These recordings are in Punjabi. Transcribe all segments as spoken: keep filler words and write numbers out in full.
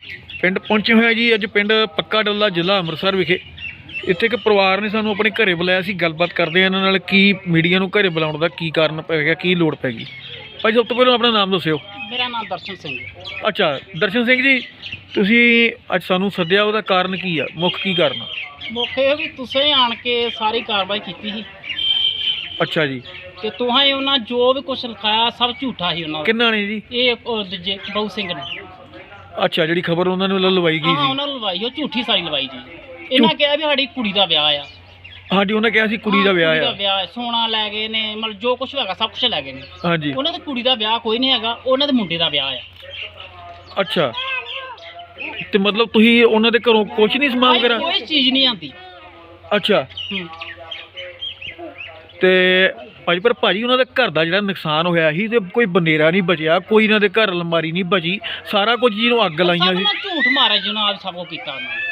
ਪਿੰਡ ਪਹੁੰਚੇ ਹੋਏ ਆ ਜੀ ਅੱਜ ਪਿੰਡ ਪੱਕਾ ਡੱਲਾ ਜ਼ਿਲ੍ਹਾ ਅੰਮ੍ਰਿਤਸਰ ਵਿਖੇ। ਇੱਥੇ ਇੱਕ ਪਰਿਵਾਰ ਨੇ ਸਾਨੂੰ ਆਪਣੇ ਘਰੇ ਬੁਲਾਇਆ ਸੀ। ਗੱਲਬਾਤ ਕਰਦੇ ਆ ਇਹਨਾਂ ਨਾਲ ਕੀ ਮੀਡੀਆ ਨੂੰ ਘਰੇ ਬੁਲਾਉਣ ਦਾ ਕੀ ਕਾਰਨ ਪੈ ਗਿਆ, ਕੀ ਲੋੜ ਪੈ ਗਈ। ਭਾਈ ਸਭ ਤੋਂ ਪਹਿਲਾਂ ਆਪਣਾ ਨਾਮ ਦੱਸਿਓ। ਮੇਰਾ ਨਾਮ ਦਰਸ਼ਨ ਸਿੰਘ। ਅੱਛਾ ਦਰਸ਼ਨ ਸਿੰਘ ਜੀ, ਤੁਸੀਂ ਅੱਜ ਸਾਨੂੰ ਸੱਦਿਆ, ਉਹਦਾ ਕਾਰਨ ਕੀ ਆ, ਮੁੱਖ ਕੀ ਕਾਰਨ ਆ? ਮੁੱਖ ਇਹ ਵੀ ਤੁਸੀਂ ਆਣ ਕੇ ਸਾਰੀ ਕਾਰਵਾਈ ਕੀਤੀ ਸੀ ਅੱਛਾ ਜੀ। ਤੇ ਤੁਹਾਂ ਉਹਨਾਂ ਜੋ ਵੀ ਕੁਝ ਲਿਖਾਇਆ ਸਭ ਝੂਠਾ ਸੀ ਉਹਨਾਂ ਦਾ। ਕਿੰਨਾ ਨੇ ਜੀ? ਇਹ ਉਹ ਦੂਜੇ ਬਹੁ ਸਿੰਘ ਨੇ। ਅੱਛਾ, ਜਿਹੜੀ ਖਬਰ ਉਹਨਾਂ ਨੂੰ ਲਵਾਈ ਗਈ ਹਾਂ ਸੀ। ਉਹਨਾਂ ਨੂੰ ਲਵਾਈ, ਉਹ ਝੂਠੀ ਸਾਰੀ ਲਵਾਈ ਜੀ। ਇਹਨਾਂ ਕਿਹਾ ਵੀ ਸਾਡੀ ਕੁੜੀ ਦਾ ਵਿਆਹ ਆ। ਹਾਂਜੀ, ਉਹਨਾਂ ਕਿਹਾ ਸੀ ਕੁੜੀ ਦਾ ਵਿਆਹ ਆ। ਵਿਆਹ ਸੋਨਾ ਲੈ ਗਏ ਨੇ, ਮਤਲਬ ਜੋ ਕੁਝ ਹੈਗਾ ਸਭ ਕੁਝ ਲੈ ਗਏ ਨੇ। ਹਾਂਜੀ, ਉਹਨਾਂ ਦੀ ਕੁੜੀ ਦਾ ਵਿਆਹ ਕੋਈ ਨਹੀਂ ਹੈਗਾ, ਉਹਨਾਂ ਦੇ ਮੁੰਡੇ ਦਾ ਵਿਆਹ ਆ। ਅੱਛਾ, ਤੇ ਮਤਲਬ ਤੁਸੀਂ ਉਹਨਾਂ ਦੇ ਘਰੋਂ ਕੁਝ ਨਹੀਂ ਸਮਾਨ ਕਰਾ? ਕੋਈ ਚੀਜ਼ ਨਹੀਂ ਆਂਦੀ। ਅੱਛਾ, ਹੂੰ। ਤੇ ਭਾਜੀ ਪਰ ਭਾਜੀ ਉਹਨਾਂ ਦੇ ਘਰ ਦਾ ਜਿਹੜਾ ਨੁਕਸਾਨ ਹੋਇਆ ਸੀ ਤੇ ਕੋਈ ਬਨੇਰਾ ਨਹੀਂ ਬਚਿਆ, ਕੋਈ ਇਹਨਾਂ ਦੇ ਘਰ ਅਲਮਾਰੀ ਨਹੀਂ ਬਚੀ, ਸਾਰਾ ਕੁਝ ਜਿਹਨੂੰ ਅੱਗ ਲਾਈਆਂ ਸੀ। ਝੂਠ ਮਾਰਿਆ ਜਿਹਨਾਂ ਆਪ ਸਭ ਕੁਝ ਕੀਤਾ ਉਹਨਾਂ ਨੇ।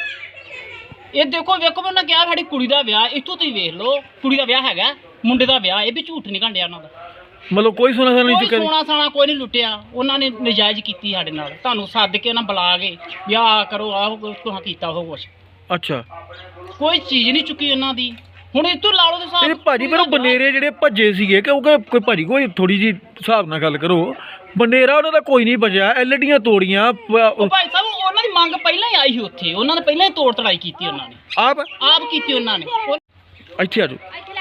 ਇਹ ਦੇਖੋ ਵੇਖੋ ਉਹਨਾਂ ਕਿਹਾ ਸਾਡੀ ਕੁੜੀ ਦਾ ਵਿਆਹ, ਇੱਥੋਂ ਤੁਸੀਂ ਵੇਖ ਲਓ ਕੁੜੀ ਦਾ ਵਿਆਹ ਹੈਗਾ, ਮੁੰਡੇ ਦਾ ਵਿਆਹ, ਇਹ ਵੀ ਝੂਠ ਨਹੀਂ ਘੰਡਿਆ ਉਹਨਾਂ ਦਾ। ਮਤਲਬ ਕੋਈ ਸੋਨਾ ਸਾਨਾ ਨਹੀਂ ਕੋਈ ਚੁੱਕਿਆ? ਸੋਨਾ ਸਾਨਾ ਕੋਈ ਨਹੀਂ ਲੁੱਟਿਆ, ਉਹਨਾਂ ਨੇ ਨਜਾਇਜ਼ ਕੀਤੀ ਸਾਡੇ ਨਾਲ। ਤੁਹਾਨੂੰ ਸੱਦ ਕੇ ਉਹਨਾਂ ਬੁਲਾ ਕੇ ਵਿਆਹ ਕਰੋ, ਆਹ ਤੁਹਾਂ ਕੀਤਾ ਉਹ ਕੁਛ। ਅੱਛਾ, ਕੋਈ ਚੀਜ਼ ਨਹੀਂ ਚੁੱਕੀ ਉਹਨਾਂ ਦੀ। ਹੁਣ ਇੱਥੋਂ ਲਾ ਲਓ ਤੁਸੀਂ ਇਹ ਭਾਜੀ ਪਰ ਉਹ ਬਨੇਰੇ ਜਿਹੜੇ ਭੱਜੇ ਸੀਗੇ, ਕਿਉਂਕਿ ਕੋਈ ਭਾਜੀ ਕੋਈ ਥੋੜੀ ਜੀ ਹਿਸਾਬ ਨਾਲ ਗੱਲ ਕਰੋ, ਬਨੇਰਾ ਉਹਨਾਂ ਦਾ ਕੋਈ ਨਹੀਂ ਬਚਿਆ, ਐਲਡੀਆਂ ਤੋੜੀਆਂ। ਉਹ ਭਾਈ ਸਾਹਿਬ ਉਹਨਾਂ ਦੀ ਮੰਗ ਪਹਿਲਾਂ ਹੀ ਆਈ ਸੀ ਉੱਥੇ, ਉਹਨਾਂ ਨੇ ਪਹਿਲਾਂ ਹੀ ਤੋੜ ਤੜਾਈ ਕੀਤੀ, ਉਹਨਾਂ ਨੇ ਆਪ ਆਪ ਕੀਤੀ ਉਹਨਾਂ ਨੇ। ਇੱਥੇ ਆ ਜਾਓ।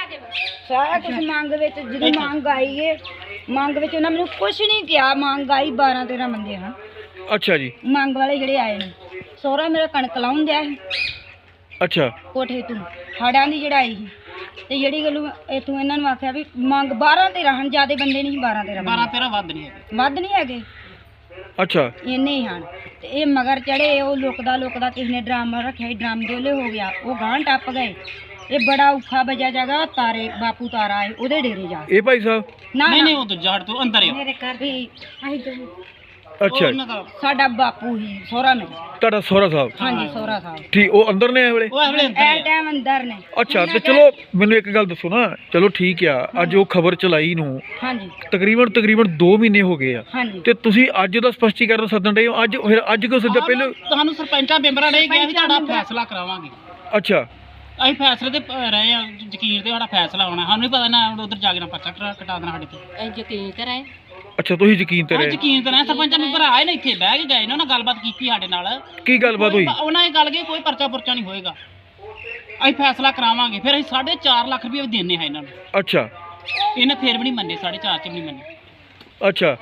ਸਾਰਾ ਕੁਝ ਮੰਗ ਵਿੱਚ ਜਦੋਂ ਮੰਗ ਆਈ ਏ, ਮੰਗ ਵਿੱਚ ਉਹਨਾਂ ਮੈਨੂੰ ਕੁਝ ਨਹੀਂ ਕਿਹਾ। ਮੰਗ ਆਈ ਬਾਰਾਂ ਤੇਰਾਂ ਬੰਦੇ ਹਨ। ਅੱਛਾ ਜੀ। ਮੰਗ ਵਾਲੇ ਜਿਹੜੇ ਆਏ ਨੇ, ਸਹੁਰਾ ਮੇਰਾ ਕਣਕ ਲਾਉਣ ਦਿਆ ਸੀ ਅੱਛਾ, ਕੋਠੇ ਤੋਂ ਹਾੜਾਂ ਦੀ ਚੜਾਈ ਸੀ। ਤੇ ਜਿਹੜੀ ਗੱਲ ਇਥੋਂ ਇਹਨਾਂ ਨੂੰ ਆਖਿਆ ਵੀ ਮੰਗ ਬਾਰਾਂ ਤੇਰਾਂ ਹਨ, ਜ਼ਿਆਦਾ ਬੰਦੇ ਨਹੀਂ, ਬਾਰਾਂ ਤੇਰਾਂ ਬਾਰਾਂ ਤੇਰਾਂ ਵੱਧ ਨਹੀਂ ਹੈਗੇ, ਵੱਧ ਨਹੀਂ ਹੈਗੇ, ਅੱਛਾ ਇੰਨੇ ਹੀ ਹਨ। ਤੇ ਇਹ ਮਗਰ ਚੜੇ, ਉਹ ਲੁਕਦਾ ਲੁਕਦਾ ਕਿਸੇ ਨੇ ਡਰਾਮਾ ਰੱਖਿਆ ਸੀ, ਡਰਾਮ ਦੇ ਉਹਲੇ ਹੋ ਗਿਆ, ਉਹ ਗਾਂ ਟੱਪ ਗਏ। ਇਹ ਬੜਾ ਔਖਾ ਬਜਾ ਜਗਾ ਤਾਰੇ ਬਾਪੂ ਤਾਰਾ ਹੈ ਉਹਦੇ ਡੇਰੇ ਜਾ। ਇਹ ਭਾਈ ਸਾਹਿਬ ਨਾ ਨਹੀਂ ਨਹੀਂ ਉਹ ਦੂਜਾ ਹਟ ਤੋਂ ਅੰਦਰ ਹੀ ਮੇਰੇ ਘਰ ਵੀ ਅਸੀਂ ਅੱਛਾ, ਉਹਨਾਂ ਦਾ ਸਾਡਾ ਬਾਪੂ ਹੀ ਸਹੁਰਾ ਮੇਰਾ। ਤੁਹਾਡਾ ਸਹੁਰਾ ਸਾਹਿਬ? ਹਾਂਜੀ ਸਹੁਰਾ ਸਾਹਿਬ ਠੀਕ, ਉਹ ਅੰਦਰ ਨੇ ਇਹ ਵੇਲੇ? ਉਹ ਅਗਲੇ ਅੰਦਰ ਐ ਹੀ ਆ। ਟਾਈਮ ਅੰਦਰ ਨੇ। ਅੱਛਾ, ਤੇ ਚਲੋ ਮੈਨੂੰ ਇੱਕ ਗੱਲ ਦੱਸੋ ਨਾ, ਚਲੋ ਠੀਕ ਆ, ਅੱਜ ਉਹ ਖਬਰ ਚਲਾਈ ਨੂੰ ਹਾਂਜੀ ਤਕਰੀਬਨ ਤਕਰੀਬਨ ਦੋ ਮਹੀਨੇ ਹੋ ਗਏ ਆ, ਹਾਂਜੀ ਤੇ ਤੁਸੀਂ ਅੱਜ ਦਾ ਸਪਸ਼ਟੀਕਰਨ ਸੱਦਣ ਡਏ ਹੋ। ਅੱਜ ਫਿਰ ਅੱਜ ਕਿਉਂ ਸੱਦਿਆ ਪਹਿਲਾਂ? ਤੁਹਾਨੂੰ ਸਰਪੰਚਾਂ ਮੈਂਬਰਾਂ ਨੇ ਕਿਹਾ ਵੀ ਤੁਹਾਡਾ ਫੈਸਲਾ ਕਰਾਵਾਂਗੇ। ਅੱਛਾ, ਅਸੀਂ ਫੈਸਲੇ ਤੇ ਪ- ਰਹੇ ਆ, ਯਕੀਨ ਤੇ ਸਾਡਾ ਫੈਸਲਾ ਹੋਣਾ। ਸਾਨੂੰ ਨਹੀਂ ਪਤਾ ਨਾ ਉਧਰ ਜਾ ਕੇ ਨਾ ਪਰਚਾ ਕਟਾ ਕਟਾ ਦੇਣਾ ਸਾਡੇ ਤੇ। ਅਸੀਂ ਯਕੀਨ ਕਰਾਏ। ਅੱਛਾ, ਤੁਸੀਂ ਯਕੀਨ ਤੇ ਹਾਂ ਰਹੇ? ਯਕੀਨ ਤੇ ਰਹੇ। ਸਰਪੰਚਾਂ ਮੈਂਬਰ ਆਏ ਨੇ, ਇੱਥੇ ਬਹਿ ਕੇ ਗਏ ਨੇ, ਉਹਨਾਂ ਗੱਲਬਾਤ ਕੀਤੀ ਸਾਡੇ ਨਾਲ। ਕੀ ਗੱਲਬਾਤ ਹੋਈ? ਉਹਨਾਂ ਇਹ ਗੱਲ ਕਿ ਕੋਈ ਪਰਚਾ ਪੁਰਚਾ ਨਹੀਂ ਹੋਏਗਾ, ਅਸੀਂ ਫੈਸਲਾ ਕਰਾਵਾਂਗੇ। ਫਿਰ ਅਸੀਂ ਸਾਢੇ ਚਾਰ ਲੱਖ ਰੁਪਏ ਵੀ ਦੇਣੇ ਆ ਇਹਨਾਂ ਨੂੰ। ਅੱਛਾ ਇਹਨੇ ਫਿਰ ਵੀ ਨਹੀਂ ਮੰਨੇ, ਸਾਢੇ ਚਾਰ ਚ ਵੀ ਨਹੀਂ ਮੰਨੇ। ਅੱਛਾ,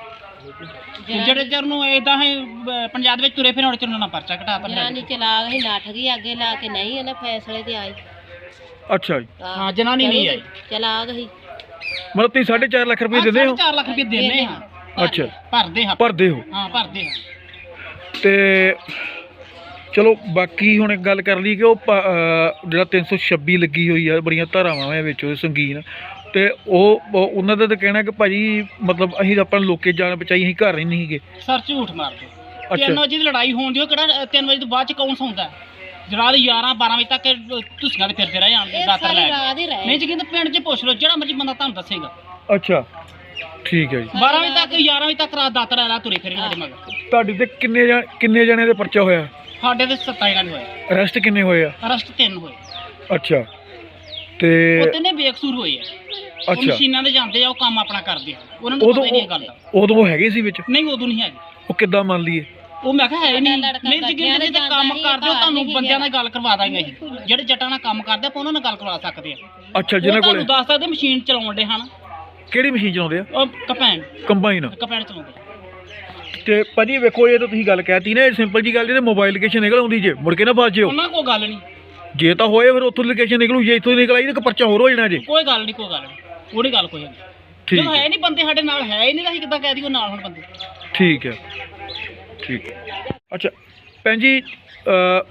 ਜਿਹੜੇ ਚਿਰ ਨੂੰ ਇਦਾਂ ਹੀ ਅਹ, ਪੰਜਾਬ ਵਿੱਚ ਤੁਰੇ ਫਿਰ ਹੁਣ ਚਿਰ ਨੂੰ ਨਾ ਪਰਚਾ ਘਟਾਤਾ। ਜਨਾਨੀ ਚਲਾ ਗਈ, ਨੱਠ ਗਈ ਅੱਗੇ ਲਾ ਕੇ, ਨਹੀਂ ਇਹਨਾਂ ਫੈਸਲੇ ਤੇ ਆਈ। ਅੱਛਾ ਜੀ। ਹਾਂ ਜਨਾਨੀ ਨਹੀਂ ਆਈ, ਚਲਾ ਗਈ। ਮਤਲਬ ਤੁਸੀਂ ਸਾਢੇ ਚਾਰ ਲੱਖ ਰੁਪਏ ਦਿੰਦੇ ਹੋ? ਚਾਰ ਲੱਖ ਰੁਪਏ ਦੇਣੇ ਹਾਂ। ਅੱਛਾ, ਭਰਦੇ ਹਾਂ ਭਰਦੇ ਹੋ? ਹਾਂ ਭਰਦੇ ਹਾਂ। ਤੇ ਚਲੋ ਬਾਕੀ ਹੁਣ ਇੱਕ ਗੱਲ ਕਰ ਲਈ ਕਿ ਉਹ ਪ- ਅਹ ਜਿਹੜਾ ਤਿੰਨ ਸੌ ਛੱਬੀ ਲੱਗੀ ਹੋਈ ਆ, ਬੜੀਆਂ ਧਾਰਾਵਾਂ ਆ ਵਿੱਚ ਉਹਦੇ ਸੰਗੀਨ, ਤੇ ਉਹ ਉਹ- ਉਹਨਾਂ ਦਾ ਤਾਂ ਕਹਿਣਾ ਕਿ ਭਾਜੀ ਮਤਲਬ ਅਸੀਂ ਤਾਂ ਆਪਾਂ ਲੋਕੇ ਜਾਨ ਬਚਾਈ, ਅਸੀਂ ਘਰ ਹੀ ਨਹੀਂ ਸੀਗੇ। ਸਰ ਝੂਠ ਮਾਰਦੇ। ਅੱਛਾ। ਤਿੰਨ ਵਜੇ ਦੀ ਲੜਾਈ ਹੋਣ ਦੀ, ਉਹ ਕਿਹੜਾ ਤਿੰਨ ਵਜੇ ਤੋਂ ਬਾਅਦ ਚ ਕੌਣ ਸੌਂਦਾ? ਰਾਤ ਗਿਆਰਾਂ ਬਾਰਾਂ ਵਜੇ ਤੱਕ ਤੁਸੀਆਂ ਦੇ ਫਿਰਦੇ ਰਹੇ ਆਣਦੇ ਦਾਤਰ ਲੈ ਕੇ। ਨਹੀਂ ਜੀ ਕਹਿੰਦੇ ਪਿੰਡ 'ਚ ਪੁੱਛ ਲਓ, ਜਿਹੜਾ ਮਰਜੀ ਬੰਦਾ ਤੁਹਾਨੂੰ ਦੱਸੇਗਾ। ਅੱਛਾ, ਠੀਕ ਹੈ ਜੀ। ਬਾਰਾਂ ਵਜੇ ਤੱਕ ਗਿਆਰਾਂ ਵਜੇ ਤੱਕ ਰਾਤ ਦਾਤਰ ਲੈ ਤੁਰੇ ਫਿਰੇ ਸਾਡੇ ਮਗਰ। ਤੁਹਾਡੇ ਤੇ ਕਿੰਨੇ ਜਣ ਕਿੰਨੇ ਜਣਿਆਂ ਦੇ ਪਰਚਾ ਹੋਇਆ? ਸਾਡੇ ਤੇ ਸੱਤਾਂ ਜਣਾਂ ਦੇ ਹੋਏ, ਅਰੈਸਟ ਕਿੰਨੇ ਹੋਏ ਆ? ਅਰੈਸਟ ਤਿੰਨ ਹੋਏ। ਅੱਛਾ, ਤੇ ਉਹ ਤਿੰਨੇ ਬੇਕਸੂਰ ਹੋਏ ਆ। ਉਹ ਅੱਛਾ, ਮਸ਼ੀਨਾਂ ਤੇ ਜਾਂਦੇ ਆ, ਉਹ ਕੰਮ ਆਪਣਾ ਕਰਦੇ ਆ, ਉਹਨਾਂ ਨੂੰ ਉਦੋਂ ਪਤਾ ਹੀ ਨਹੀਂ ਇਹ ਗੱਲ ਦਾ। ਉਦੋਂ ਉਹ ਹੈਗੇ ਸੀ ਵਿੱਚ? ਨਹੀਂ ਉਦੋਂ ਨਹੀਂ ਹੈਗੇ। ਉਹ ਕਿੱਦਾਂ ਮੰਨ ਲਈਏ? ਉਹ ਮੈਂ ਕਿਹਾ ਹੈ ਨਹੀਂ। ਨਹੀਂ ਜੀ ਕਹਿੰਦੇ ਜੇ ਕੰਮ ਕਰਦੇ ਹੋ ਤੁਹਾਨੂੰ ਬੰਦਿਆਂ ਨਾਲ ਗੱਲ ਕਰਵਾ ਦਾਂਗੇ ਅਸੀਂ। ਜਿਹੜੇ ਜੱਟਾਂ ਨਾਲ ਕੰਮ ਕਰਦੇ ਆਪਾਂ ਉਹਨਾਂ ਨਾਲ ਗੱਲ ਕਰਵਾ ਸਕਦੇ ਆ। ਅੱਛਾ, ਜਿਹਨਾਂ ਕੋਲੇ ਤੁਹਾਨੂੰ ਦੱਸ ਸਕਦੇ ਮਸ਼ੀਨ ਚਲਾਉਣ ਦੇ ਹਨ। ਕਿਹੜੀ ਮਸ਼ੀਨ ਚਲਾਉਂਦੇ ਆ? ਉਹ ਕਪੈਨ ਕੰਬਾਈਨ। ਕਪੈਨ ਚਲਾਉਂਦੇ। ਤੇ ਭਾਜੀ ਵੇਖੋ, ਇਹ ਤਾਂ ਤੁਸੀਂ ਗੱਲ ਕਹਿਤੀ ਨਾ, ਇਹ ਸਿੰਪਲ ਜੀ ਗੱਲ ਜੇ ਮੋਬਾਈਲ ਲੋਕੇਸ਼ਨ ਨਿਕਲ ਆਉਂਦੀ ਜੇ, ਮੁੜ ਕੇ ਨਾ ਫਸ ਜਿਓ। ਉਹਨਾਂ ਕੋਲ ਗੱਲ ਨਹੀਂ। ਜੇ ਤਾਂ ਹੋਏ ਫਿਰ ਉੱਥੋਂ ਲੋਕੇਸ਼ਨ ਨਿਕਲੂ, ਜੇ ਇੱਥੋਂ ਨਿਕਲ ਆਈ ਤਾਂ ਪਰਚਾ ਹੋਰ ਹੋ ਜਾਣਾ ਜੇ। ਕੋਈ ਗੱਲ ਨਹੀਂ, ਕੋਈ ਗੱਲ ਨਹੀਂ, ਉਹਦੀ ਗੱਲ ਕੋਈ ਨਹੀਂ। ਠੀਕ ਜਦੋਂ ਹੈ, ਹੈ ਨਹੀਂ ਬੰਦੇ ਸਾਡੇ ਨਾਲ, ਹੈ ਹੀ ਨਹੀਂ ਤਾਂ ਅਸੀਂ ਕਿੱਦਾਂ ਕਹਿ ਦਈਏ ਨਾਲ ਹੁਣ ਬੰਦੇ। ਠੀਕ ਹੈ, ਠੀਕ ਹੈ। ਅੱਛਾ ਭੈਣ ਜੀ, ਅਹ,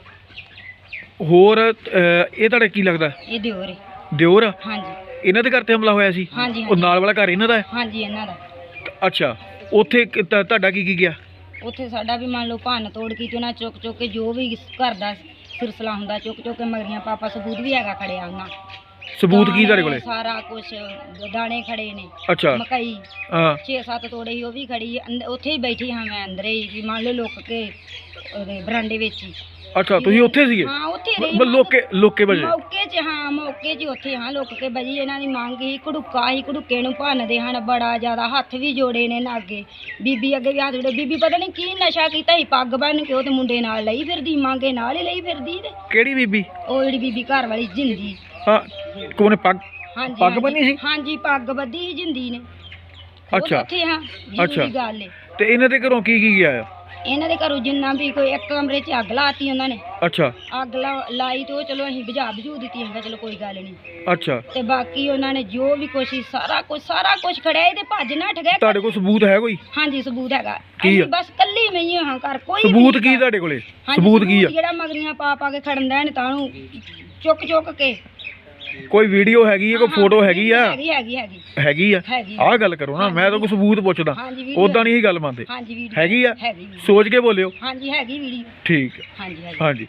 ਹੋਰ ਅਹ, ਇਹ ਤੁਹਾਡਾ ਕੀ ਲੱਗਦਾ? ਇਹ ਦਿਓਰ ਹੈ। ਦਿਓਰ ਆ? ਹਾਂਜੀ ਇਹਨਾਂ ਦੇ ਘਰ ਤੇ ਹਮਲਾ ਹੋਇਆ ਸੀ? ਹਾਂਜੀ ਉਹ ਨਾਲ ਵਾਲਾ ਘਰ ਇਹਨਾਂ ਦਾ ਹੈ? ਹਾਂਜੀ ਇਹਨਾਂ ਦਾ। ਅੱਛਾ, ਉੱਥੇ ਕਿ- ਤੁਹਾ- ਤੁਹਾਡਾ ਕੀ ਕੀ ਗਿਆ? ਉੱਥੇ ਸਾਡਾ ਵੀ ਮੰਨ ਲਓ ਭੰਨ ਤੋੜ ਕੀਤੀ ਉਹਨਾਂ, ਚੁੱਕ ਚੁੱਕ ਕੇ ਜੋ ਵੀ ਘਰ ਦਾ ਸਿਲਸਿਲਾ ਹੁੰਦਾ ਚੁੱਕ ਚੁੱਕ ਕੇ ਮਗਰੀਆਂ ਪਾਪਾ ਸਬੂਤ ਵੀ ਹੈਗਾ ਖੜਿਆ ਉਹਨਾਂ। ਸਬੂਤ ਕੀ ਤੁਹਾਡੇ ਦਾਣੇ, ਕੋਲੇ? ਸਾਰਾ ਕੁਝ ਦਾਣੇ ਖੜੇ ਨੇ, ਅੱਛਾ ਮਕਈ ਹਾਂ ਛੇ ਸੱਤ ਤੋੜੇ ਸੀ ਉਹ ਵੀ ਖੜੀ ਹੈ। ਅੰਦ- ਉੱਥੇ ਹੀ ਬੈਠੀ ਹਾਂ ਮੈਂ ਅੰਦਰੇ ਹੀ ਵੀ ਮੰਨ ਲਓ ਲੁੱਕ ਕੇ ਉਹਦੇ ਬਰਾਂਡੇ ਵਿੱਚ ਹੀ। ਅੱਛਾ ਤੁਸੀਂ ਉੱਥੇ ਸੀਗੇ? ਹਾਂ ਉੱਥੇ ਰਹੀ ਬ- ਲੋਕੇ ਲੋਕੇ ਵਜੇ? ਮੌਕੇ 'ਚ ਹਾਂ ਮੌਕੇ 'ਚ ਉੱਥੇ ਹਾਂ ਲੁੱਕ ਕੇ ਬਜੀ। ਇਹਨਾਂ ਦੀ ਮੰਗ ਹੀ ਘੜੂਕਾ ਹੀ ਘੜੂਕੇ ਨੂੰ ਭੰਨਦੇ ਹਨ ਬੜਾ ਜ਼ਿਆਦਾ, ਹੱਥ ਵੀ ਜੋੜੇ ਨੇ ਨਾ ਅੱਗੇ। ਬੀਬੀ ਅੱਗੇ ਵੀ ਹੱਥ ਜੋੜੇ। ਬੀਬੀ ਪਤਾ ਨਹੀਂ ਕੀ ਨਸ਼ਾ ਕੀਤਾ ਸੀ, ਪੱਗ ਬੰਨ ਕੇ ਉਹ ਤੇ ਮੁੰਡੇ ਨਾਲ ਲਈ ਫਿਰਦੀ, ਮੰਗੇ ਨਾਲ ਹੀ ਲਈ ਫਿਰਦੀ। ਤੇ ਕਿਹੜੀ ਬੀਬੀ? ਉਹ ਜਿਹੜੀ ਬੀਬੀ ਘਰ ਵਾਲੀ ਜਿੰਦੀ। ਹਾਂ ਕੋਨੇ ਪੱਗ ਹਾਂਜੀ ਪੱਗ ਹਾਂਜੀ, ਬੰਨੀ ਸੀ? ਹਾਂਜੀ ਪੱਗ ਬੱਧੀ ਸੀ ਜਿੰਦੀ ਨੇ। ਉਹ ਅੱਛਾ ਉੱਥੇ ਹਾਂ ਅੱਛਾ। ਜ਼ਰੂਰੀ ਗੱਲ ਏ। ਤੇ ਇਹਨਾਂ ਦੇ ਘਰੋਂ ਕੀ ਕੀ ਗਿਆ ਆ? ਇਹਨਾਂ ਦੇ ਘਰੋਂ ਜਿੰਨਾ ਵੀ ਕੋਈ ਇੱਕ ਕਮਰੇ 'ਚ ਅੱਗ ਲਾਤੀ ਉਹਨਾਂ ਨੇ। ਅੱਛਾ ਅੱਗ ਲਾ- ਲਾਈ ਤੇ ਉਹ ਚਲੋ ਅਸੀਂ ਬੁਝਾ ਬੁਝੂ ਦਿੱਤੀ, ਹੈਗਾ ਚਲੋ ਕੋਈ ਗੱਲ ਨਹੀਂ। ਅੱਛਾ ਤੇ ਬਾਕੀ ਉਹਨਾਂ ਨੇ ਜੋ ਵੀ ਕੁਛ ਸੀ ਸਾਰਾ ਕੁਝ ਸਾਰਾ ਕੁਝ ਖੜਿਆ ਇਹਦੇ ਭੱਜ ਨੱਠ ਗਏ। ਤੁਹਾਡੇ ਕੋਲ ਸਬੂਤ ਹੈ ਕੋਈ? ਹਾਂਜੀ ਸਬੂਤ ਹੈਗਾ। ਕੀ ਆ? ਅਸੀਂ ਬਸ ਕੱਲੀ ਮਈ ਹਾਂ ਘਰ ਕੋਈ ਵੀ ਸਬੂਤ ਨਹੀਂ ਕੀ ਹੈਗਾ। ਤੁਹਾਡੇ ਕੋਲੇ? ਹਾਂਜੀ, ਸਬੂਤ ਕੀ ਆ? ਜਿਹੜਾ ਮਗਰੀਆਂ ਪਾ ਪਾ ਕੇ ਖੜਨ ਦੇਣ ਤਾਂ ਨੂੰ ਚੁੱਕ ਚੁੱਕ ਕੇ। ਕੋਈ ਵੀਡੀਓ ਹੈਗੀ ਹੈ, ਕੋਈ ਹਾਂ, ਫੋਟੋ ਹੈਗੀ ਆ? ਹੈਗੀ ਹੈਗੀ ਹੈਗੀ ਹੈਗੀ ਆ? ਹੈਗੀ ਆਹ ਗੱਲ ਕਰੋ ਨਾ, ਮੈਂ ਤਾਂ ਕੋਈ ਸਬੂਤ ਪੁੱਛਦਾ, ਹਾਂਜੀ ਵੀਡੀਓ ਉਦਾਂ ਨਹੀਂ ਇਹ ਗੱਲ ਮੰਨਦੇ। ਹਾਂਜੀ ਵੀਡੀਓ ਹੈਗੀ ਆ? ਹੈਗੀ ਵੀਡੀਓ। ਸੋਚ ਕੇ ਬੋਲਿਓ। ਹਾਂਜੀ ਹੈਗੀ ਵੀਡੀਓ। ਠੀਕ ਹੈ ਹਾਂਜੀ ਹੈਗੀ। ਹਾਂਜੀ।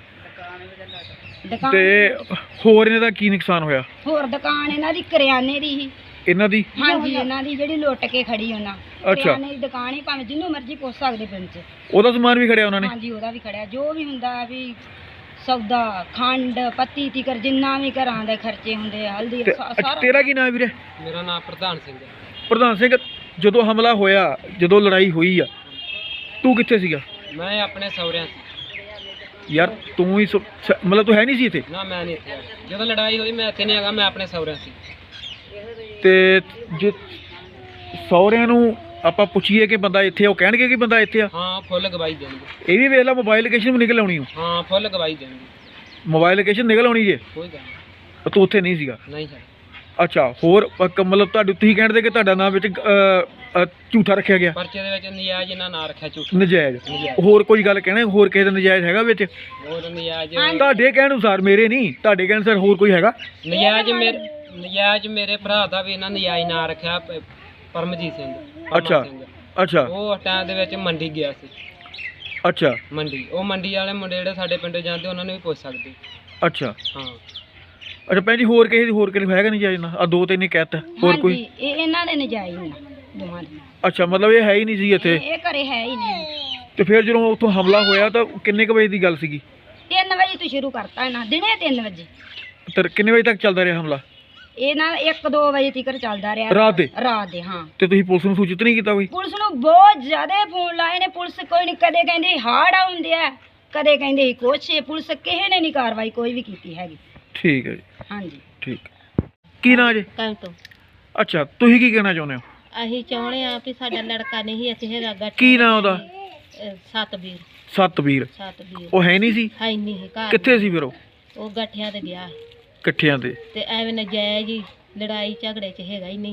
ਦੁਕਾਨ ਤੇ ਹੋਰ ਇਹਨਾਂ ਦਾ ਕੀ ਨੁਕਸਾਨ ਹੋਇਆ? ਹੋਰ ਦੁਕਾਨ ਇਹਨਾਂ ਦੀ ਕਰਿਆਨੇ ਦੀ ਸੀ। ਇਹਨਾਂ ਦੀ? ਹਾਂਜੀ ਇਹਨਾਂ ਦੀ ਜਿਹੜੀ ਲੁੱਟ ਕੇ ਖੜੀ ਉਹਨਾਂ। ਅੱਛਾ। ਕਰਿਆਨੇ ਦੀ ਦੁਕਾਨ ਹੀ ਭਾਵੇਂ ਜਿਹਨੂੰ ਮਰਜ਼ੀ ਪੁੱਛ ਸਕਦੇ ਪਿੰਡ 'ਚ। ਉਹਦਾ ਸਮਾਨ ਵੀ ਖੜਿਆ ਉਹਨਾਂ ਨੇ? ਹਾਂਜੀ ਉਹਦਾ ਵੀ ਖੜਿਆ, ਜੋ ਵੀ ਹੁੰਦਾ ਵੀ ਸੌਦਾ ਖੰਡ ਪੱਤੀ ਤੀਕਰ ਜਿੰਨਾ ਵੀ ਘਰਾਂ ਦੇ ਖਰਚੇ ਹੁੰਦੇ ਆ, ਹਲਦੀ ਤੇ ਸਾ- ਅੱਛਾ, ਸਾਰਾ। ਤੇਰਾ ਕੀ ਨਾਮ ਵੀਰੇ? ਮੇਰਾ ਨਾਮ ਪ੍ਰਧਾਨ ਸਿੰਘ ਹੈ। ਪ੍ਰਧਾਨ ਸਿੰਘ, ਜਦੋਂ ਹਮਲਾ ਹੋਇਆ, ਜਦੋਂ ਲੜਾਈ ਹੋਈ ਆ, ਤੂੰ ਕਿੱਥੇ ਸੀਗਾ? ਮੈਂ ਆਪਣੇ ਸਹੁਰਿਆਂ ਸੀ। ਯਾਰ ਤੂੰ ਹੀ ਸ- ਸ- ਮਤਲਬ ਤੂੰ ਹੈ ਨਹੀਂ ਸੀ ਇੱਥੇ? ਨਾ ਮੈਂ ਨਹੀਂ ਇੱਥੇ ਆਇਆ। ਜਦੋਂ ਲੜਾਈ ਹੋਈ ਮੈਂ ਇੱਥੇ ਨਹੀਂ ਹੈਗਾ, ਮੈਂ ਆਪਣੇ ਸਹੁਰਿਆਂ ਸੀ। ਤੇ ਜੇ ਸਹੁਰਿਆਂ ਨੂੰ ਆਪਾਂ ਪੁੱਛੀਏ ਕਿ ਬੰਦਾ ਇੱਥੇ ਆ, ਉਹ ਕਹਿਣਗੇ ਕਿ ਬੰਦਾ ਇੱਥੇ ਆ? ਹਾਂ ਫੁੱਲ ਗਵਾਹੀ ਦੇਣਗੇ। ਇਹ ਵੀ ਵੇਖ ਲਾ, ਮੋਬਾਈਲ ਲੋਕੇਸ਼ਨ ਵੀ ਨਿਕਲ ਆਉਣੀ ਓ। ਹਾਂ ਫੁੱਲ ਗਵਾਹੀ ਦੇਣਗੇ। ਮੋਬਾਈਲ ਲੋਕੇਸ਼ਨ ਨਿਕਲ ਆਉਣੀ ਜੇ। ਕੋਈ ਗੱਲ ਨਹੀਂ। ਤੂੰ ਉੱਥੇ ਨਹੀਂ ਸੀਗਾ? ਨਹੀਂ ਸਰ। ਅੱਛਾ। ਹੋਰ ਅ, ਮਤਲਬ ਤੁਹਾਡੇ ਤੁਸੀਂ ਕਹਿੰਦੇ ਕਿ ਤੁਹਾਡਾ ਨਾਮ ਵਿੱਚ ਅ, ਅ, ਝੂਠਾ ਰੱਖਿਆ ਗਿਆ, ਪਰਚੇ ਦੇ ਵਿੱਚ ਨਜਾਇਜ਼ ਇਹਨਾਂ ਨਾਂ ਰੱਖਿਆ ਝੂਠ। ਨਜਾਇਜ਼? ਨਜਾਇਜ਼। ਹੋਰ ਕੋਈ ਗੱਲ ਕਹਿਣਾ, ਹੋਰ ਕਿਸੇ ਦਾ ਨਜਾਇਜ਼ ਹੈਗਾ ਵਿੱਚ? ਹੋਰ ਨਜਾਇਜ਼ ਤੁਹਾਡੇ ਕਹਿਣ ਅਨੁਸਾਰ, ਮੇਰੇ ਨਹੀਂ, ਤੁਹਾਡੇ ਕਹਿਣ ਅਨੁਸਾਰ ਹੋਰ ਕੋਈ ਹੈਗਾ? ਨਜਾਇਜ਼ ਮੇਰੇ ਨਜਾਇਜ਼ ਮੇਰੇ ਭਰਾ ਦਾ ਵੀ ਇਹਨਾਂ ਨਜਾਇਜ਼ ਨਾਂ ਰੱਖਿਆ, ਪ- ਪਰਮਜੀਤ ਸਿੰਘ। ਪਰਮਾ ਅੱਛਾ ਸਿੰਘ। ਅੱਛਾ ਉਹ ਟਾਈਮ ਦੇ ਵਿੱਚ ਮੰਡੀ ਗਿਆ ਸੀ। ਅੱਛਾ ਮੰਡੀ ਉਹ ਮੰਡੀ ਵਾਲੇ ਮੁੰਡੇ ਜਿਹੜੇ ਸਾਡੇ ਪਿੰਡੋਂ ਜਾਂਦੇ ਉਹਨਾਂ ਨੂੰ ਵੀ ਪੁੱਛ ਸਕਦੇ। ਅੱਛਾ ਹਾਂ ਅੱਛਾ ਭੈਣ ਜੀ, ਹੋਰ ਕਿਸੇ ਦੀ ਹੋਰ ਕਿਸੇ ਹੈਗਾ ਨਜਾਇਜ਼ ਨਾ? ਆ ਦੋ ਤਿੰਨ ਹੀ ਕਹਿਤਾ, ਹੋਰ ਕੋਈ? ਹਾਂਜੀ ਇਹ ਇਹਨਾਂ ਦੇ ਨਜਾਇਜ਼ ਨੇ ਦੋਵਾਂ ਦੇ। ਅੱਛਾ, ਮਤਲਬ ਇਹ ਹੈ ਹੀ ਨਹੀਂ ਸੀ ਇੱਥੇ? ਇਹ ਇਹ ਘਰੇ ਹੈ ਹੀ ਨਹੀਂ। ਤੇ ਫਿਰ ਜਦੋਂ ਉੱਥੋਂ ਹਮਲਾ ਹੋਇਆ ਤਾਂ ਕਿੰਨੇ ਕੁ ਵਜੇ ਦੀ ਗੱਲ ਸੀਗੀ? ਤਿੰਨ ਵਜੇ ਤੋਂ ਸ਼ੁਰੂ ਕਰਤਾ ਇਹਨਾਂ ਦਿਨੇ ਤਿੰਨ ਵਜੇ। ਤੇ ਕਿੰਨੇ ਵਜੇ ਤੱਕ ਚੱਲਦਾ ਰਿਹਾ ਹਮਲਾ? ਇਹ ਨਾ ਇੱਕ ਦੋ ਵਜੇ ਤੱਕ ਚੱਲਦਾ ਰਿਹਾ। ਰਾਤ ਦੇ? ਰਾਤ ਦੇ ਹਾਂ। ਤੇ ਤੁਸੀਂ ਪੁਲਿਸ ਨੂੰ ਸੂਚਿਤ ਨਹੀਂ ਕੀਤਾ ਕੋਈ? ਪੁਲਿਸ ਨੂੰ ਬਹੁਤ ਜ਼ਿਆਦਾ ਫੋਨ ਲਾਏ ਨੇ, ਪੁਲਿਸ ਕੋਈ ਨਹੀਂ, ਕਦੇ ਕਹਿੰਦੇ ਹਾਰਡ ਆਉਂਦੇ ਆ, ਕਦੇ ਕਹਿੰਦੇ ਸੀ ਕੁਛ। ਪੁਲਿਸ ਕਿਸੇ ਨੇ ਨਹੀਂ ਕਾਰਵਾਈ ਕੋਈ ਵੀ ਕੀਤੀ ਹੈਗੀ। ਠੀਕ ਹੈ ਜੀ, ਹਾਂਜੀ ਠੀਕ। ਕੀ ਨਾਂ ਜੀ? ਕੰਮ ਤੋਂ ਅੱਛਾ, ਤੁਸੀਂ ਕੀ ਕਹਿਣਾ ਚਾਹੁੰਦੇ ਹੋ? ਅਸੀਂ ਚਾਹੁੰਦੇ ਆ ਵੀ ਸਾਡਾ ਲੜਕਾ ਨਹੀਂ ਇੱਥੇ ਹੈਗਾ ਗਾ। ਕੀ ਨਾਂ ਉਹਦਾ? ਅਹ ਸਤਬੀਰ। ਸਤਬੀਰ? ਸਤਬੀਰ ਉਹ ਹੈ ਨਹੀਂ ਸੀ? ਹੈ ਨਹੀਂ ਘਰ। ਕਿੱਥੇ ਸੀ ਫਿਰ ਉਹ? ਉਹ ਗੱਠਿਆਂ ਤੇ ਗਿਆ ਇਕੱਠਿਆਂ ਤੇ? ਤੇ ਐਵੇਂ ਨਜਾਇਜ਼ ਹੀ ਲੜਾਈ ਝਗੜੇ 'ਚ ਹੈਗਾ ਹੀ ਨਹੀਂ।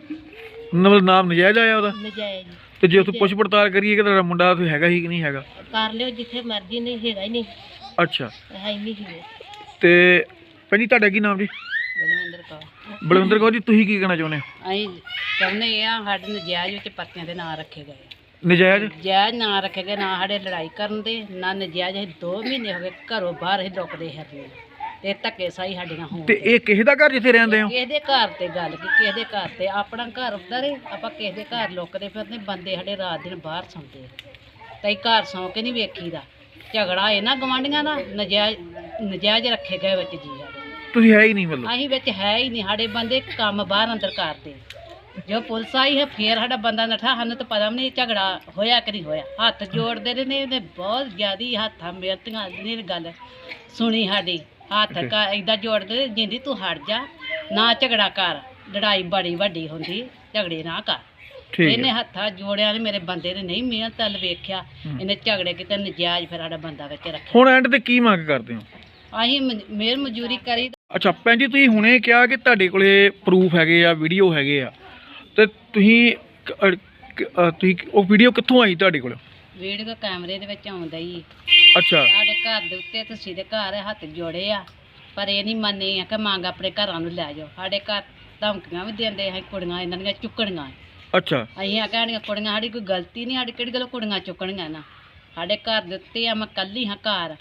ਮਤਲਬ ਨਾਮ ਨਜਾਇਜ਼ ਆਇਆ ਉਹਦਾ? ਨਜਾਇਜ਼ ਤੇ ਜੇ ਉੱਥੇ ਪੁੱਛ ਪੜਤਾਲ ਕਰੀਏ ਕਿ ਤੁਹਾਡਾ ਮੁੰਡਾ ਉੱਥੇ ਹੈਗਾ ਹੀ ਕਿ ਨਹੀਂ ਹੈਗਾ? ਕਰ ਲਿਓ ਜਿੱਥੇ ਮਰਜ਼ੀ, ਨਹੀਂ ਹੈਗਾ ਹੀ ਨਹੀਂ, ਅੱਛਾ। ਹੈ ਹੀ ਨਹੀਂ ਸੀ। ਤੇ ਭੈਣ ਜੀ ਤੁਹਾਡਾ ਕੀ ਨਾਮ ਜੀ? ਬਲਵਿੰਦਰ ਕੌਰ। ਬਲਵਿੰਦਰ ਕੌਰ ਜੀ, ਤੁਸੀਂ ਕੀ ਕਹਿਣਾ ਚਾਹੁੰਦੇ ਹੋ? ਅਸੀਂ ਚਾਹੁੰਦੇ ਆ ਸਾਡੇ ਨਜਾਇਜ਼ ਵਿੱਚ ਪਰਚਿਆਂ ਦੇ ਨਾਂ ਰੱਖੇ ਗਏ। ਨਜਾਇਜ਼? ਜਾਇਜ਼ ਨਾਂ ਰੱਖੇ ਗਏ, ਨਾ ਸਾਡੇ ਲੜਾਈ ਕਰਨ ਦੇ ਨਾ ਨਜਾਇਜ਼। ਅਸੀਂ ਦੋ ਮਹੀਨੇ ਹੋ ਗਏ ਘਰੋਂ ਬਾਹਰ ਹੀ ਲੁਕਦੇ ਫਿਰਦੇ ਤੇ ਧੱਕੇ ਸਾਈ ਸਾਡੇ ਨਾਲ ਹੋਣ। ਤੇ ਇਹ ਕਿਸੇ ਦਾ ਘਰ ਜਿੱਥੇ ਰਹਿੰਦੇ ਹੋ? ਕਿਸੇ ਦੇ ਘਰ ਤੇ ਗੱਲ ਕੀ, ਕਿਸੇ ਦੇ ਘਰ ਤੇ ਆਪਣਾ ਘਰ ਹੁੰਦਾ ਰੇ, ਆਪਾਂ ਕਿਸੇ ਦੇ ਘਰ ਲੁਕਦੇ ਫਿਰਦੇ। ਬੰਦੇ ਸਾਡੇ ਰਾਤ ਦਿਨ ਬਾਹਰ ਸੌਂਦੇ ਤੇ ਘਰ ਸੌਂ ਕੇ ਨਹੀਂ ਵੇਖੀਦਾ। ਝਗੜਾ ਇਹਨਾਂ ਗਵਾਂਢੀਆਂ ਦਾ ਨਜਾਇਜ਼ ਨਜਾਇਜ਼ ਰੱਖੇ ਗਏ ਵਿੱਚ ਜੀ ਸਾਡੇ। ਤੁਸੀਂ ਹੈ ਹੀ ਨਹੀਂ ਮਤਲਬ? ਅਸੀਂ ਵਿੱਚ ਹੈ ਹੀ ਨਹੀਂ। ਸਾਡੇ ਬੰਦੇ ਕੰਮ ਬਾਹਰ ਅੰਦਰ ਕਰਦੇ। ਜੋ ਪੁਲਿਸ ਆਈ ਹੈ ਫੇਰ ਸਾਡਾ ਬੰਦਾ ਨਠਾ। ਸਾਨੂੰ ਤਾਂ ਪਤਾ ਵੀ ਨਹੀਂ ਝਗੜਾ ਹੋਇਆ ਕਿ ਨਹੀਂ ਹੋਇਆ। ਹੱਥ ਜੋੜਦੇ ਰਹੇ ਨੇ ਇਹਨੇ ਬਹੁਤ ਜ਼ਿਆਦੀ ਹੱਥਾਂ ਮਿਹਨਤਾਂ ਦੀ ਗੱਲ ਸੁਣੀ ਸਾਡੀ। ਹੱਥ ਕਾ ਏਦਾਂ ਜੋੜਦੇ ਜਿੰਦੀ ਤੂੰ ਹਟ ਜਾ, ਨਾ ਝਗੜਾ ਕਰ, ਲੜਾਈ ਬੜੀ ਵੱਡੀ ਹੁੰਦੀ, ਝਗੜੇ ਨਾ ਕਰ। ਠੀਕ ਇਹਨੇ ਹੈ। ਹੱਥਾਂ ਜੋੜਿਆ ਨੇ ਮੇਰੇ ਬੰਦੇ ਨੇ ਨਹੀਂ ਮਿਹਨਤ ਵੱਲ ਵੇਖਿਆ। ਹੂੰ। ਇਹਨੇ ਝਗੜੇ ਕਿਤੇ ਨਜਾਇਜ਼ ਫਿਰ ਸਾਡਾ ਬੰਦਾ ਵਿੱਚ ਰੱਖਿਆ। ਹੁਣ ਐਂਡ ਤੇ ਕੀ ਮੰਗ ਕਰਦੇ ਹੋ? ਅਸੀਂ ਮੇਰ ਮਜ਼ਦੂਰੀ ਕਰੀ। ਅੱਛਾ ਭੈਣ ਜੀ, ਤੁਸੀਂ ਹੁਣੇ ਕਿਹਾ ਕਿ ਤੁਹਾਡੇ ਕੋਲੇ ਪ੍ਰੂਫ ਹੈਗੇ ਆ, ਵੀਡੀਓ ਹੈਗੇ ਆ, ਤੇ ਤੁਸੀਂ ਕ- ਅ, ਕ- ਅ, ਤੁਸੀਂ ਉਹ ਵੀਡੀਓ ਕਿੱਥੋਂ ਆਈ ਤੁਹਾਡੇ ਕੋਲ? ਵੀਡੀਓ ਕੈਮਰੇ ਦੇ ਵਿੱਚ ਆਉਂਦਾ ਹੀ। ਅੱਛਾ। ਸਾਡੇ ਘਰ ਦੇ ਉੱਤੇ ਤੁਸੀਂ ਦੇ ਘਰ ਹੱਥ ਜੋੜੇ ਆ, ਪਰ ਇਹ ਨਹੀਂ ਮੰਨੇ ਆ ਕਿ ਮੰਗ ਆਪਣੇ ਘਰਾਂ ਨੂੰ ਲੈ ਜਾਓ। ਸਾਡੇ ਘਰ ਧਮਕੀਆਂ ਵੀ ਦਿੰਦੇ ਆ, ਕੁੜੀਆਂ ਇਹਨਾਂ ਦੀਆਂ ਚੁੱਕਣੀਆਂ। ਅੱਛਾ। ਅਸੀਂ ਆ ਕਹਿਣੀਆਂ ਕੁੜੀਆਂ ਸਾਡੀ ਕੋਈ ਗਲਤੀ ਨਹੀਂ, ਸਾਡੀ ਕਿਹੜੀ ਗੱਲ ਕੁੜੀਆਂ ਚੁੱਕਣੀਆਂ ਨਾ। ਸਾਡੇ ਘਰ ਦੇ ਉੱਤੇ ਆ, ਮੈਂ ਕੱਲੀ ਹਾਂ ਘਰ।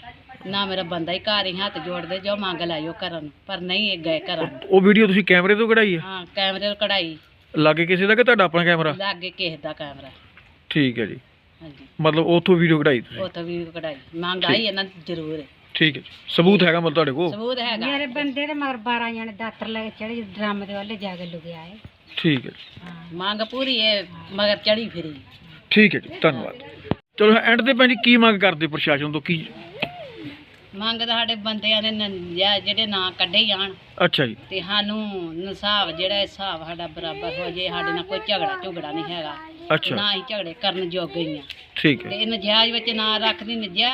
ਨਾ ਮੇਰਾ ਬੰਦਾ ਹੀ ਘਰ ਹੀ ਹੱਥ ਜੋੜਦੇ ਜੋ ਮੰਗ ਲਾਇਓ ਘਰਾਂ ਨੂੰ, ਪਰ ਨਹੀਂ ਇਹ ਗਏ ਘਰਾਂ ਨੂੰ। ਉਹ ਵੀਡੀਓ ਤੁਸੀਂ ਕੈਮਰੇ ਤੋਂ ਕਢਾਈ ਹੈ? ਹਾਂ ਕੈਮਰੇ ਤੋਂ ਕਢਾਈ, ਲਾਗੇ ਕਿਸੇ ਦਾ ਕਿ ਤੁਹਾਡਾ ਆਪਣਾ ਕੈਮਰਾ? ਲਾਗੇ ਕਿਸੇ ਦਾ ਕੈਮਰਾ। ਠੀਕ ਹੈ ਜੀ, ਹਾਂਜੀ ਮਤਲਬ ਉੱਥੋਂ ਵੀਡੀਓ ਕਢਾਈ ਤੁਸੀਂ? ਉੱਥੋਂ ਵੀ ਕਢਾਈ, ਮੰਗ ਆਈ ਇਹਨਾਂ ਦੀ ਜ਼ਰੂਰ ਹੈ। ਠੀਕ ਹੈ ਜੀ, ਸਬੂਤ ਹੈਗਾ ਮਤਲਬ ਤੁਹਾਡੇ ਕੋਲ? ਸਬੂਤ ਹੈਗਾ। ਮੇਰੇ ਬੰਦੇ ਦੇ ਮਗਰ ਬਾਰਾਂ ਜਣੇ ਦਾਤਰ ਲੈ ਕੇ ਚੜੇ ਡਰਮ ਦੇ ਵੱਲੇ ਜਾ ਕੇ ਲੁਕਿਆ ਹੈ। ਠੀਕ ਹੈ ਜੀ, ਹਾਂ, ਮੰਗ ਪੂਰੀ ਹੈ ਮਗਰ ਚੜੀ ਫਿਰੀ। ਠੀਕ ਹੈ ਜੀ, ਧੰਨਵਾਦ। ਚਲੋ ਐਂਡ ਤੇ ਭੈਣ ਜੀ ਕੀ ਮੰਗ ਕਰਦੇ ਪ੍ਰਸ਼ਾਸਨ ਤੋਂ? ਕੀ ਮੰਗ ਤਾਂ ਸਾਡੇ ਬੰਦਿਆਂ ਦੇ ਨ- ਜਾਂ ਜਿਹੜੇ ਨਾਂ ਕੱਢੇ ਜਾਣ ਅੱਛਾ ਜੀ, ਤੇ ਸਾਨੂੰ ਹਿਸਾਬ ਜਿਹੜਾ ਹਿਸਾਬ ਸਾਡਾ ਬਰਾਬਰ ਹੋ ਜੇ, ਸਾਡੇ ਨਾਲ ਕੋਈ ਝਗੜਾ ਝੁਗੜਾ ਨਹੀਂ ਹੈਗਾ, ਅੱਛਾ ਨਾ ਹੀ ਝਗੜੇ ਕਰਨ ਜੋਗੇ ਹੀ ਆ ਠੀਕ ਹੈ। ਤੇ ਇਹ ਨਜਾਇਜ਼ ਵਿੱਚ ਨਾ ਰੱਖਦੀ ਨਜਾਇਜ਼